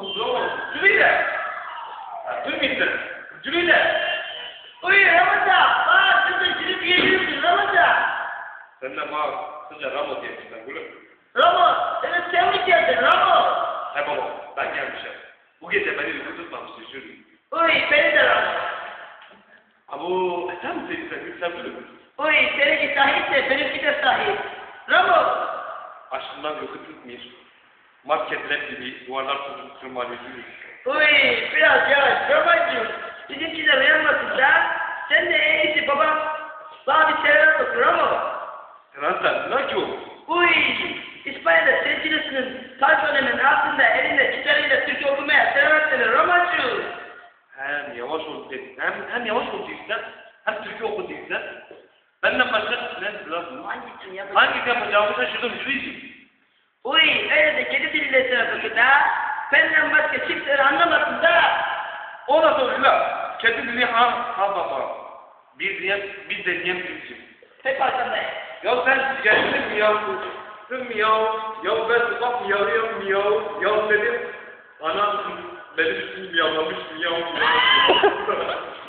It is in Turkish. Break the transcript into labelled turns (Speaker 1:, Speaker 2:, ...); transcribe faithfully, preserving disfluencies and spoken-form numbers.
Speaker 1: oldu. Cüleyle. Duymayın. Cüleyle.
Speaker 2: Uy Ramazan, bak kızı cülü diyebilirsin Ramazan.
Speaker 1: Sen de bana kısaca Ramo diyemişsin gülüm.
Speaker 2: Ramo, evet sen mi geldin Ramo?
Speaker 1: He baba, ben gelmişim. Bu gece beni uyku tutmamıştı şurum.
Speaker 2: Uy beni de Ramo.
Speaker 1: Abu, e sen mi sevdin sen gülüm?
Speaker 2: Uy seninki sahipse benimki de sahip. Ramo.
Speaker 1: Aşkından uyku tutmuyor. Marketler gibi duvarlar tutup tırmanıyor.
Speaker 2: Uy biraz yavaş Ramazan. Bizimkiler uyanmasın da. Sen de en iyisi babam. Bana bir selam olsun Ramo.
Speaker 1: Sen ne ki o?
Speaker 2: Uy İspanya'da sevgilisinin taşonenin altında elinde gitarıyla Türkçe okumaya selam seni Ramazan.
Speaker 1: Hem yavaş ol dedin. Hem, hem yavaş ol değilsen, hem Türkçe oku değilsen. Benden başka ne lazım?
Speaker 2: Hangisini yapacağım?
Speaker 1: Hangi yapacağımı şaşırdım Cüleyciğim.
Speaker 2: Uy öyle de kedi diliyle söylüyorsun da. Benden başka kimseleri anlamasın da.
Speaker 1: O nasıl oluyor la? Kedi dili ha, ha baba. Bir diyen, bir deneyen bilsin.
Speaker 2: Hep arkandayım.
Speaker 1: Ya sen geldin mi ya? Kızım miyav. Ya ben sabah miyavıyorum miyav. Ya dedim. Anam benim üstümü miyavlamış miyav.